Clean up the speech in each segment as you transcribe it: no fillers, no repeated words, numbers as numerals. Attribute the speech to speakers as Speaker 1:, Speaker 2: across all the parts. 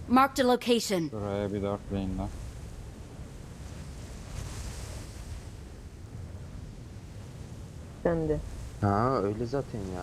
Speaker 1: Marked a location.
Speaker 2: Şuraya bir dörtleyin lan.
Speaker 3: Ben de.
Speaker 4: Ha öyle zaten ya.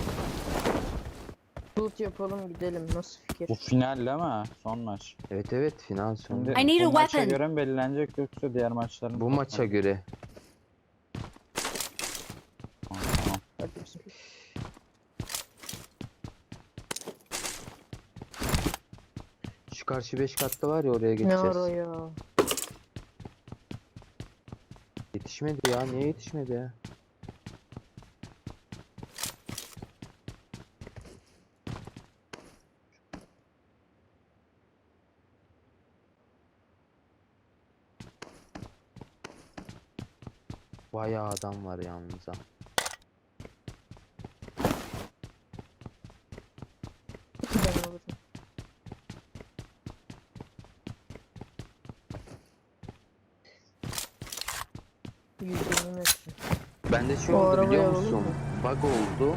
Speaker 3: Loot yapalım gidelim. Nasıl fikir?
Speaker 2: Bu final değil mi? Son maç.
Speaker 4: Evet evet final sonu.
Speaker 2: Şimdi
Speaker 1: I need a
Speaker 2: bu maça
Speaker 1: weapon.
Speaker 2: göre mi belirlenecek yoksa diğer maçların
Speaker 4: Bu maça göre.
Speaker 2: Tamam.
Speaker 3: Hadi bismillah.
Speaker 4: Şu karşı 5 katlı var ya oraya
Speaker 3: Ne
Speaker 4: geçeceğiz.
Speaker 3: ara ya?
Speaker 4: Yetişmedi ya. Niye yetişmedi ya? Bayağı adam var yalnız ha.
Speaker 3: Ben alırım. %20 metre.
Speaker 4: Bende şey
Speaker 3: O
Speaker 4: oldu
Speaker 3: arabaya
Speaker 4: biliyor
Speaker 3: alalım
Speaker 4: musun?
Speaker 3: mı?
Speaker 4: Bug oldu.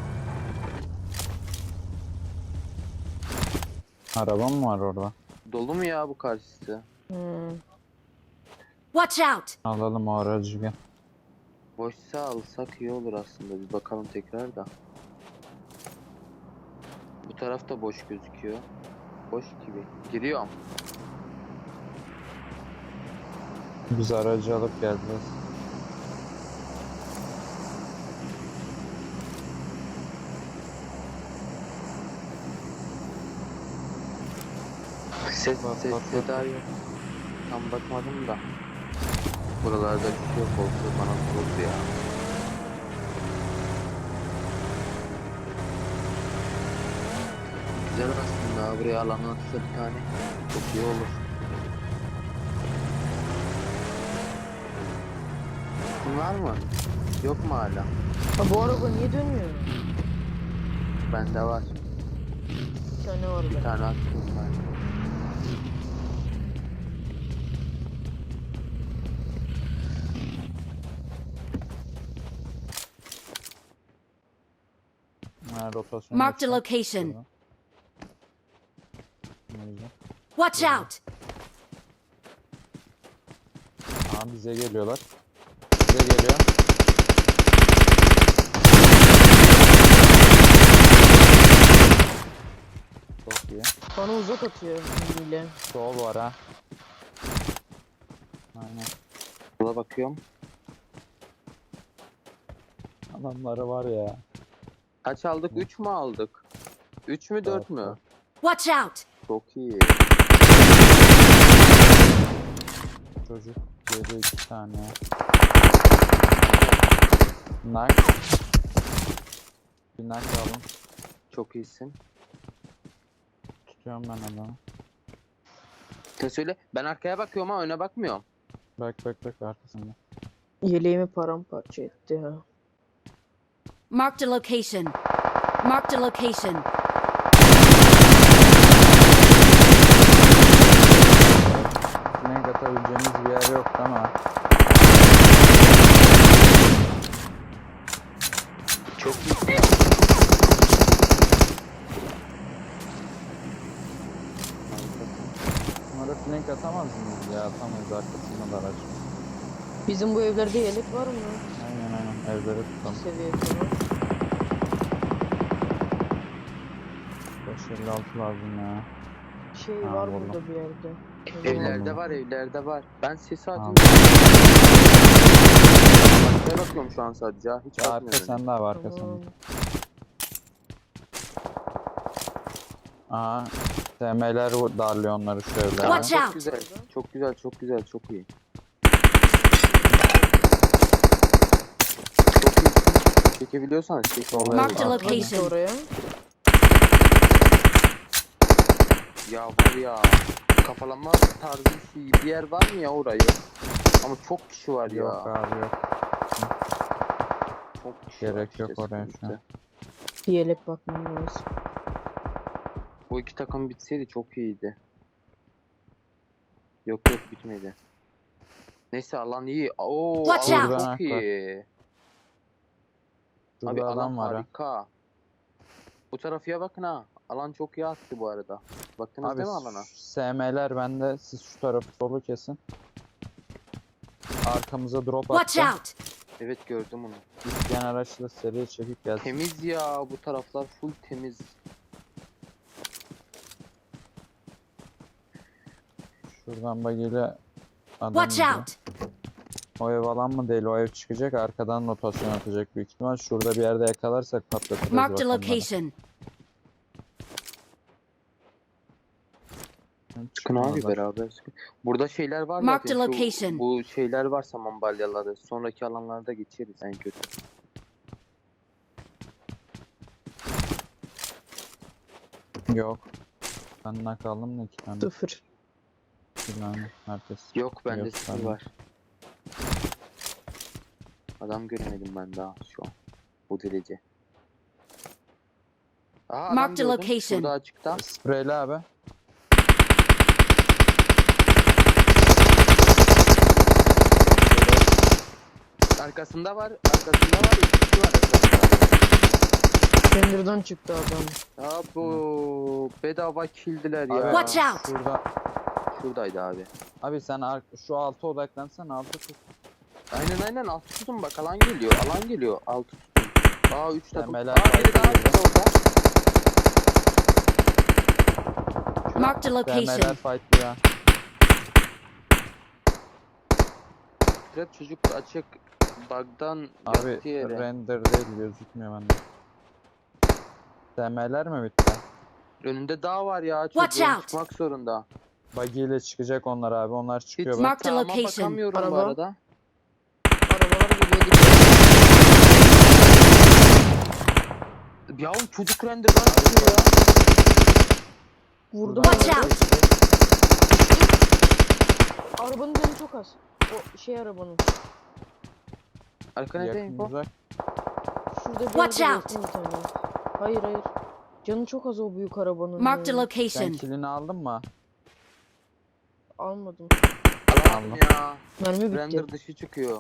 Speaker 2: Araba mı var orada?
Speaker 4: Dolu mu ya bu karşısı?
Speaker 3: Hmm.
Speaker 1: Watch out!
Speaker 2: Alalım o aracı gel.
Speaker 4: Boşsa alsak iyi olur aslında. Bir bakalım tekrar da. Bu taraf da boş gözüküyor. Boş gibi. Giriyorum.
Speaker 2: Biz aracı alıp geleceğiz.
Speaker 4: Ses
Speaker 2: Bak,
Speaker 4: ses
Speaker 2: bak,
Speaker 4: seda
Speaker 2: bak.
Speaker 4: yok. Tam bakmadım da. Buralarda bir şey yok oldu. Bana soruldu ya. Güzel aslında. Buraya alan atsa bir tane. Çok iyi olur. Kim var mı? Yok mu hala?
Speaker 3: Ha bu araba niye dönmüyor?
Speaker 4: Bende var.
Speaker 3: Bir tane var
Speaker 4: Bir
Speaker 3: ben.
Speaker 4: tane attım ben.
Speaker 2: Ha, rotasyon
Speaker 1: Marked a
Speaker 2: yapacağım.
Speaker 1: location.
Speaker 2: Şurada. Ne güzel.
Speaker 1: Watch out!
Speaker 2: Aa, bize geliyorlar. Bize geliyor. Çok iyi.
Speaker 3: Bana uzak atıyor hile.
Speaker 2: Sol var ha. Aynen.
Speaker 4: Buna bakıyorum.
Speaker 2: Adamları var ya.
Speaker 4: Kaç aldık? 3 mü aldık? 3 mü 4 mü?
Speaker 2: Dört.
Speaker 1: Watch out!
Speaker 4: Çok iyi.
Speaker 2: Çocuk yedi 2 tane. Nak. Bir nak alın.
Speaker 4: Çok iyisin.
Speaker 2: Tutuyorum ben adamı.
Speaker 4: Sen söyle. Ben arkaya bakıyorum ama öne bakmıyorum.
Speaker 2: Bak arkasında.
Speaker 3: Yeleğimi paramparça etti ha.
Speaker 1: Marked a location. Marked a location.
Speaker 2: Flank atabileceğimiz bir yer yok ama.
Speaker 4: Çok iyi.
Speaker 2: Bunlara flank atamaz mıyız ya? Atamayız, arkasında da araç.
Speaker 3: Bizim bu evlerde yelek var mı?
Speaker 2: Aynen evleri tutalım.
Speaker 3: Seviye falan.
Speaker 2: 556 lazım ya.
Speaker 3: Şey
Speaker 2: Ha,
Speaker 3: var
Speaker 2: buldum.
Speaker 3: burada bir yerde.
Speaker 4: Evlerde var, evlerde var. Ben sesi
Speaker 2: Tamam.
Speaker 4: atıyorum. Arkaya bakıyorum şu an sadece. Hiç
Speaker 2: Arka
Speaker 4: bakmıyorum.
Speaker 2: sende abi, arka
Speaker 3: Tamam.
Speaker 2: sende. Aha. TM'ler darlıyor onları şu evlere.
Speaker 1: Watch
Speaker 4: Çok
Speaker 1: out.
Speaker 4: güzel, çok güzel, çok güzel, çok iyi. Çok iyi. Çekebiliyorsan çek.
Speaker 1: Marked a
Speaker 2: Bak,
Speaker 3: Hadi
Speaker 1: location.
Speaker 3: oraya.
Speaker 4: Ya var ya, kafalanma tarzı bir yer var mı ya orayı? Ama çok kişi var ya.
Speaker 2: Yok abi yok.
Speaker 4: Çok kişi
Speaker 2: Gerek
Speaker 4: var
Speaker 2: yok
Speaker 4: işte,
Speaker 2: oraya şu
Speaker 4: sıkıntı.
Speaker 2: an.
Speaker 3: Bir yelek bakmam lazım.
Speaker 4: Bu iki takım bitseydi çok iyiydi. Yok bitmedi. Neyse alan iyi. Oo
Speaker 1: Watch
Speaker 4: alan
Speaker 1: out.
Speaker 4: çok
Speaker 2: Bak.
Speaker 4: iyi.
Speaker 2: Şurada
Speaker 4: Abi alan
Speaker 2: adam var ha.
Speaker 4: harika. Bu tarafıya bakın ha. Alan çok iyi attı bu arada. Baktınız
Speaker 2: Abi
Speaker 4: değil mi alana?
Speaker 2: SM'ler bende. Siz şu tarafı solu kesin. Arkamıza drop
Speaker 1: Watch
Speaker 2: attı.
Speaker 1: out!
Speaker 4: Evet gördüm onu.
Speaker 2: İsteyen araçla seriye çekip gelsin.
Speaker 4: Temiz ya, bu taraflar full temiz.
Speaker 2: Şuradan bagiyle adam
Speaker 1: Watch
Speaker 2: gidiyor.
Speaker 1: out!
Speaker 2: O ev alan mı değil, o ev çıkacak, arkadan rotasyon atacak büyük ihtimal. Şurada bir yerde yakalarsak patlatırız
Speaker 1: Marked a
Speaker 2: bakanları.
Speaker 1: location.
Speaker 4: Çıkın abi
Speaker 2: Çıkmazlar.
Speaker 4: beraber çıkın. Burada şeyler var
Speaker 1: Marked
Speaker 4: zaten.
Speaker 1: a location.
Speaker 4: Bu şeyler var, saman balyaları. Sonraki alanlarda geçeriz en kötü.
Speaker 2: Yok. Ben nak aldım da 2 tane.
Speaker 3: 0.
Speaker 2: 2 tane. Herkes.
Speaker 4: Yok bende
Speaker 2: Yok,
Speaker 4: sıfır
Speaker 2: bende.
Speaker 4: var. Adam göremedim ben daha şu an. Bu derece. Aa, adam
Speaker 1: Marked a
Speaker 4: gördüm.
Speaker 1: location.
Speaker 4: Şurada açıkta.
Speaker 2: Spreyli abi.
Speaker 4: Arkasında var. Arkasında var. İki kişi var arkasında.
Speaker 3: Tender'dan çıktı adam.
Speaker 4: Ya bu bedava killdiler ya.
Speaker 2: Abi,
Speaker 1: Watch out!
Speaker 2: Şurada.
Speaker 4: Şuradaydı abi.
Speaker 2: Abi sen şu alta odaklansan, altı tut.
Speaker 4: Aynen altı tutun bak, alan geliyor. Alan geliyor. Altı tutun. Aa 3 takım. Aa
Speaker 2: Memeler
Speaker 4: biri daha
Speaker 2: fight'ı
Speaker 4: çıktı orada.
Speaker 1: Marked a
Speaker 2: Demeler
Speaker 1: location.
Speaker 2: fight ya.
Speaker 4: Trap çocuk açık. Bug'dan
Speaker 2: Abi
Speaker 4: yattı yere.
Speaker 2: render değil, gözükmüyor bende. Demeler mi bitti?
Speaker 4: Önünde dağ var ya.
Speaker 1: Watch
Speaker 4: Çocuğun
Speaker 1: out.
Speaker 4: çıkmak zorunda.
Speaker 2: Buggy ile çıkacak onlar abi. Onlar çıkıyor
Speaker 4: Hiç
Speaker 2: bak.
Speaker 1: Marked a
Speaker 4: sağıma
Speaker 1: location.
Speaker 4: bakamıyorum bu
Speaker 3: Araba.
Speaker 4: arada.
Speaker 3: Arabalar geliyor.
Speaker 4: Ya çocuk render'dan çıkıyor ya.
Speaker 3: Vurdum.
Speaker 1: Watch
Speaker 3: arabayı.
Speaker 1: out!
Speaker 3: Arabanın canı çok az. O şey arabanın.
Speaker 4: Arka nerede
Speaker 2: Yakın
Speaker 4: info?
Speaker 2: uzak.
Speaker 3: Şurada bir
Speaker 1: Watch
Speaker 3: yerde
Speaker 1: out.
Speaker 3: yakın bir tane. Hayır hayır. Canı çok az o büyük arabanın.
Speaker 1: Marked a
Speaker 3: ya.
Speaker 2: Sen
Speaker 1: location.
Speaker 2: kilini aldın mı?
Speaker 3: Almadım.
Speaker 4: Alamadım ya.
Speaker 3: Mermi bitti.
Speaker 4: Render dışı çıkıyor.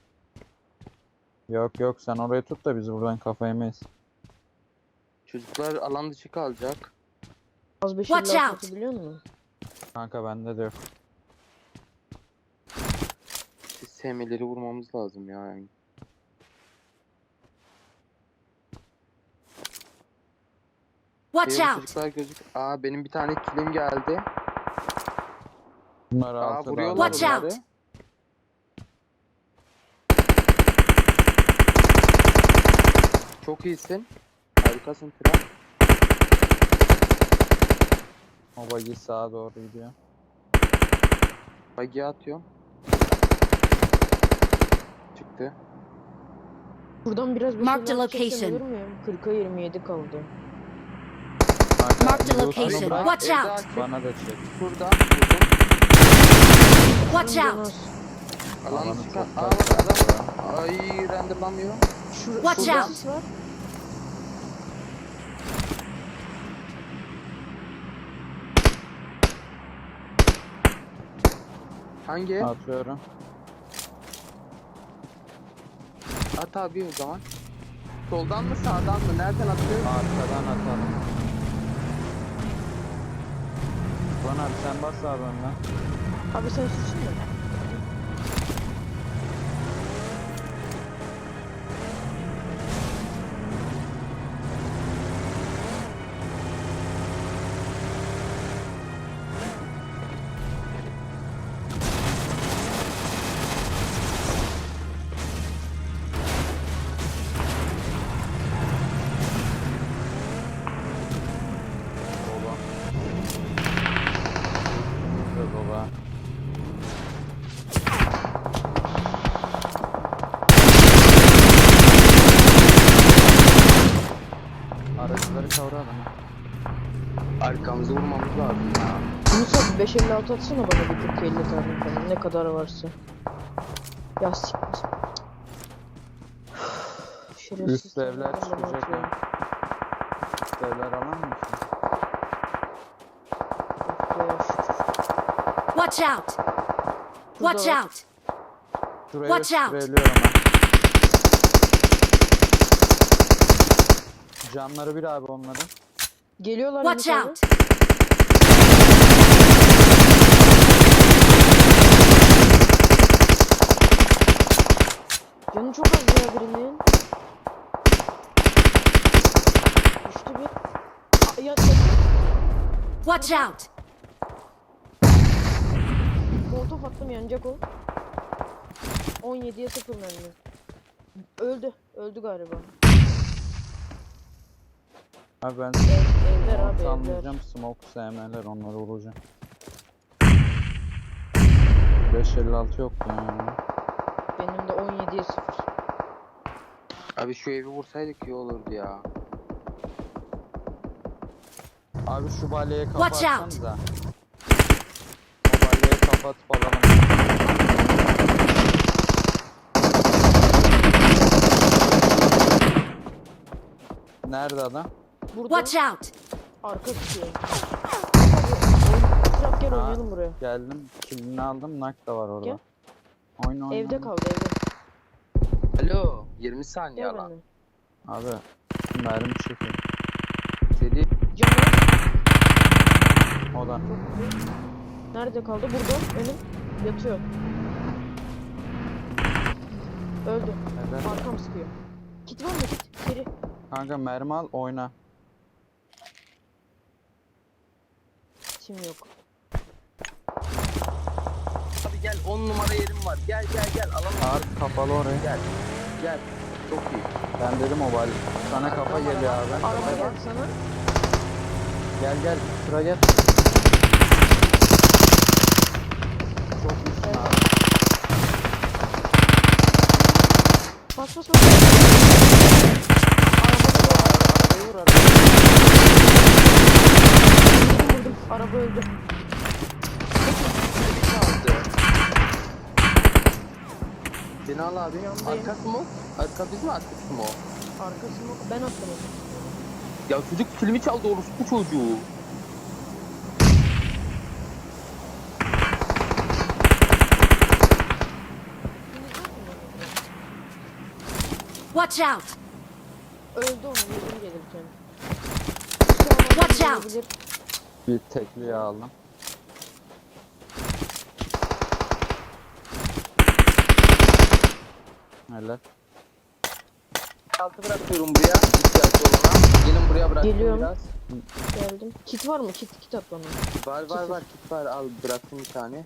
Speaker 2: Yok yok, sen orayı tut da biz buradan kafa yemeyiz.
Speaker 4: Çocuklar alan dışı kalacak.
Speaker 3: Az 5
Speaker 1: Watch
Speaker 3: 50
Speaker 1: out.
Speaker 3: atabiliyor musun?
Speaker 2: Kanka bende de yok.
Speaker 4: Biz sevmeleri vurmamız lazım ya. Yani.
Speaker 1: Watch
Speaker 4: Diğer
Speaker 1: out!
Speaker 4: çocuklar gözük. Aa benim bir tane killim geldi.
Speaker 2: Bunlar
Speaker 4: Aa
Speaker 2: altıda
Speaker 4: vuruyorlar
Speaker 1: Watch
Speaker 2: abi.
Speaker 1: out.
Speaker 4: onları. Çok iyisin. Harikasın Tren.
Speaker 2: O buggy sağa doğru gidiyor.
Speaker 4: Bagiye atıyorum. Çıktı.
Speaker 3: Buradan biraz bir
Speaker 1: Marked
Speaker 3: şeyler
Speaker 1: a
Speaker 3: çeksem
Speaker 1: location.
Speaker 3: olur muyum? 40'a 27 kaldı.
Speaker 2: Kanka,
Speaker 1: Marked a
Speaker 2: loot'unu
Speaker 1: location.
Speaker 2: bırak,
Speaker 1: Watch
Speaker 4: Evde
Speaker 1: out!
Speaker 4: açık.
Speaker 2: bana da çek.
Speaker 4: Şurada. Vurdum.
Speaker 1: Watch
Speaker 3: Canı
Speaker 1: out!
Speaker 3: az.
Speaker 4: Alan
Speaker 2: Alanı
Speaker 4: çıkan.
Speaker 2: çok
Speaker 4: Aa
Speaker 2: fazla
Speaker 4: bak adam.
Speaker 2: ya.
Speaker 4: Ay renderlanmıyor.
Speaker 1: Watch
Speaker 3: şurada
Speaker 1: out.
Speaker 3: sis var.
Speaker 4: Hangi?
Speaker 2: Atıyorum.
Speaker 4: At abi o zaman. Soldan mı sağdan mı? Nereden atıyor?
Speaker 2: Arkadan atalım. Bana abi sen bas abi önden.
Speaker 3: Abi sen suçun mu?
Speaker 2: Dola. Burada dola. Araçları kavra adamı.
Speaker 4: Arkamızı vurmamız lazım ya.
Speaker 3: Yunus abi 556 atsana bana bir 40 50 tane falan. Ne kadar varsa. Ya siktir. Şerefsiz
Speaker 2: Üst evler
Speaker 3: tane bana
Speaker 2: çıkacak
Speaker 3: atıyor.
Speaker 2: ha. Devler alan mı ki?
Speaker 3: Of be, şükür.
Speaker 1: Watch out! Watch
Speaker 3: var.
Speaker 1: out!
Speaker 2: Şurayı
Speaker 1: Watch out.
Speaker 2: spreyliyorum ben. Canları bir abi onların.
Speaker 3: Geliyorlar
Speaker 1: Watch
Speaker 3: Yunus abi.
Speaker 1: out!
Speaker 3: Canı çok az ya birinin. Düştü bir. Yat yat.
Speaker 1: Watch out!
Speaker 3: Molotof attım yanacak o. 17'ye 0 mermi. Öldü. Öldü galiba.
Speaker 2: Abi ben
Speaker 3: Evler abi evler.
Speaker 2: anlayacağım smoke SM'ler onları vuracağım. 556 yok yani.
Speaker 3: Benim de 17'ye 0.
Speaker 4: Abi şu evi vursaydık iyi olurdu ya.
Speaker 2: Abi şu balyeye kafa
Speaker 1: Watch out.
Speaker 2: atsanıza. O balyeyi kapatıp alalım. Nerede adam?
Speaker 3: Burada
Speaker 1: Watch out!
Speaker 3: arka tutuyor. Abi oyun gel
Speaker 2: Ha.
Speaker 3: oynayalım buraya.
Speaker 2: Geldim. Killini aldım. Nak da var orada.
Speaker 3: Gel.
Speaker 2: Oyna.
Speaker 3: Evde kaldı evde.
Speaker 4: Alo 20 saniye
Speaker 3: Gel
Speaker 4: lan.
Speaker 3: benimle.
Speaker 2: Abi mermi çekiyor.
Speaker 4: Seri
Speaker 3: Canı
Speaker 2: O da.
Speaker 3: çok iyi. Nerede kaldı? Burada. Önüm. Yatıyor. Öldü.
Speaker 2: Evet.
Speaker 3: Arkam sıkıyor. Kit var mı kit? Seri.
Speaker 2: Kanka mermi al oyna.
Speaker 3: Kitim yok.
Speaker 4: abi gel 10 numara yerim var. Gel alalım.
Speaker 2: Ağır kapalı oraya.
Speaker 4: Gel. Çok iyi.
Speaker 2: Ben dedim o balye. Sana kafa geliyor abi.
Speaker 3: Araba geldi sana.
Speaker 2: Gel. Şuraya gel. Çok iyisin abi.
Speaker 3: Bas bas bas.
Speaker 2: Arabayı vur arabayı.
Speaker 3: Vurdum. Araba öldü.
Speaker 4: Kaldı. Beni al abi.
Speaker 3: Yandayım.
Speaker 4: Arkası mı? Arka biz mi arkası mı o?
Speaker 3: Arkasını ben attım onu.
Speaker 4: Ya çocuk filmi çaldı orospu çocuğu.
Speaker 1: Watch out!
Speaker 3: Öldü onu yedim gelirken.
Speaker 1: Watch out.
Speaker 3: Olabilir.
Speaker 2: Bir tekliği aldım. Helal.
Speaker 4: Altı bırakıyorum buraya. İhtiyacı olana. Gelin buraya bıraktım
Speaker 3: Geliyorum.
Speaker 4: biraz.
Speaker 3: Geldim. Kit var mı? Kit at bana.
Speaker 4: Var kit var al bıraktım bir tane.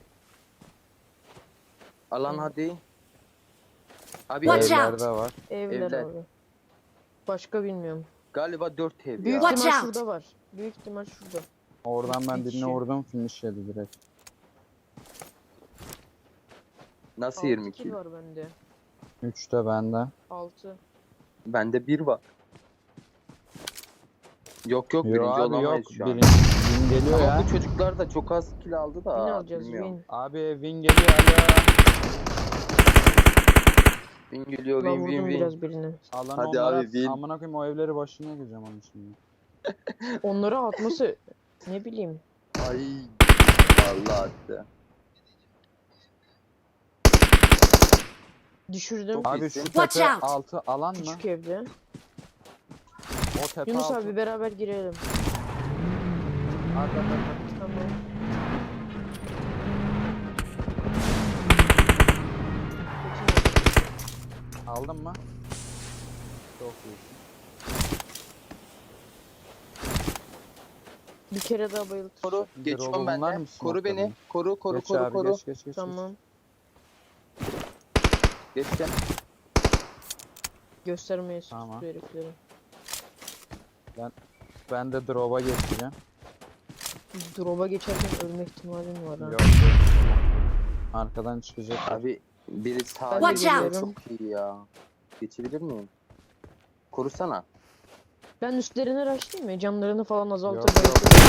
Speaker 4: Alan hadi. Abi
Speaker 1: Watch
Speaker 4: ev-
Speaker 1: out.
Speaker 2: Evlerde var.
Speaker 3: Evler
Speaker 4: Evler.
Speaker 3: abi. Başka bilmiyorum.
Speaker 4: galiba 4 ev
Speaker 3: Büyük
Speaker 4: ya.
Speaker 1: Watch
Speaker 3: ihtimal
Speaker 1: out.
Speaker 3: şurada var. Büyük ihtimal şurada.
Speaker 2: Oradan ben
Speaker 3: Bir
Speaker 2: birini
Speaker 3: kişi.
Speaker 2: vurdum finish yedi direkt.
Speaker 4: Nasıl
Speaker 3: 6
Speaker 4: 22?
Speaker 3: kill var bende.
Speaker 2: 3 de bende.
Speaker 3: 6.
Speaker 4: Bende 1 var. Yok
Speaker 2: Yo
Speaker 4: birinci
Speaker 2: abi yok.
Speaker 4: olamayız şu an.
Speaker 2: Birinci win geliyor
Speaker 4: Ama
Speaker 2: ya.
Speaker 4: bu çocuklar da çok az kill aldı
Speaker 3: Win
Speaker 4: da
Speaker 3: alacağız
Speaker 4: bilmiyorum.
Speaker 3: win.
Speaker 2: Abi win geliyor alo.
Speaker 4: Win geliyor
Speaker 3: Ben
Speaker 4: win
Speaker 3: vurdum
Speaker 4: win win.
Speaker 3: biraz birini.
Speaker 2: Alanı
Speaker 4: Hadi
Speaker 2: onlara
Speaker 4: abi,
Speaker 2: at.
Speaker 4: win.
Speaker 2: Amına koyayım o evleri başına gireceğim onun şimdi.
Speaker 3: Onları atması ne bileyim.
Speaker 4: Ay Allah attı.
Speaker 3: Düşürdüm.
Speaker 4: Çok
Speaker 2: Abi
Speaker 4: iyisin.
Speaker 2: şu
Speaker 1: Watch
Speaker 2: tepe
Speaker 1: out.
Speaker 2: altı alan mı?
Speaker 3: Küçük evde.
Speaker 2: O tepe
Speaker 3: Yunus
Speaker 2: altı.
Speaker 3: abi beraber girelim.
Speaker 2: At.
Speaker 3: Tamam.
Speaker 2: Aldın mı? Çok iyisin.
Speaker 3: Bir kere daha bayıltır.
Speaker 4: Koru. Geçiyorum ben
Speaker 2: bunlar
Speaker 4: de.
Speaker 2: mı
Speaker 4: Koru
Speaker 2: smoke'ladın?
Speaker 4: beni. Koru
Speaker 2: Geç abi
Speaker 4: koru.
Speaker 2: geç.
Speaker 3: Tamam.
Speaker 4: Geçtim.
Speaker 3: Göstermeye
Speaker 2: Tamam.
Speaker 3: tutuyor herifleri.
Speaker 2: Ben de drop'a geçeceğim.
Speaker 3: Drop'a geçerken ölme ihtimalim var ha.
Speaker 2: Yok. Arkadan çıkacak.
Speaker 4: Abi biri sağ
Speaker 3: Ben
Speaker 1: de Watch
Speaker 3: out.
Speaker 4: çok iyi ya. Geçebilir miyim? Korusana.
Speaker 3: Ben üstlerine rushlayayım mı? Camlarını falan
Speaker 2: Yok,
Speaker 3: azaltıp
Speaker 2: yok.
Speaker 3: bayıltırım.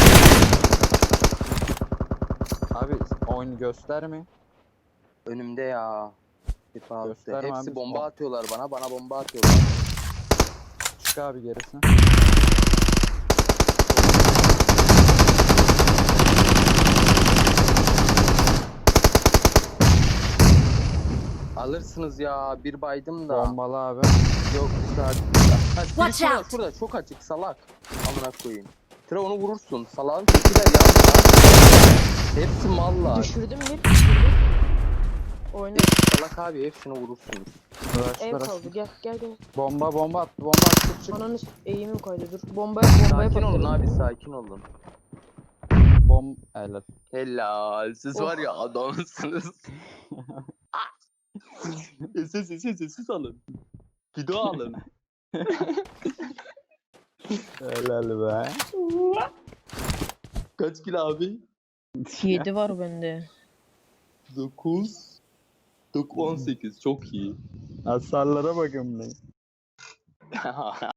Speaker 2: Abi oyun gösterme.
Speaker 4: Önümde ya. Hep altta.
Speaker 2: Gösterme
Speaker 4: Hepsi
Speaker 2: abi.
Speaker 4: bomba atıyorlar bana. Bana bomba atıyorlar.
Speaker 2: Çık abi gerisine.
Speaker 4: Alırsınız ya. Bir baydım da.
Speaker 2: Bombalı abi.
Speaker 4: Yok dışarıda. Ha, biri
Speaker 1: Watch
Speaker 4: şurada,
Speaker 1: out.
Speaker 4: şurada çok açık salak. Amına koyayım. Tire onu vurursun. Salağın tekiler ya. Hepsi mallar.
Speaker 3: Düşürdüm bir. Düşürdüm. Oyna.
Speaker 4: Salak abi hepsini vurursunuz.
Speaker 2: Rush,
Speaker 3: Ev
Speaker 2: rush.
Speaker 3: kaldı. Gel gel gel.
Speaker 2: Bomba attı. Bomba attı. Çık.
Speaker 3: Ananı eğimim kaydı. Dur. Bombaya
Speaker 4: Sakin olun
Speaker 3: patladım.
Speaker 4: abi sakin olun.
Speaker 2: Helal.
Speaker 4: Helal. Siz
Speaker 3: Oh.
Speaker 4: var ya adamsınız. Ses alın. Video alın.
Speaker 2: Helal be.
Speaker 4: Kaç kilo abi?
Speaker 3: 7 var bende.
Speaker 4: 9. 18 çok iyi.
Speaker 2: Hasarlara bakın be.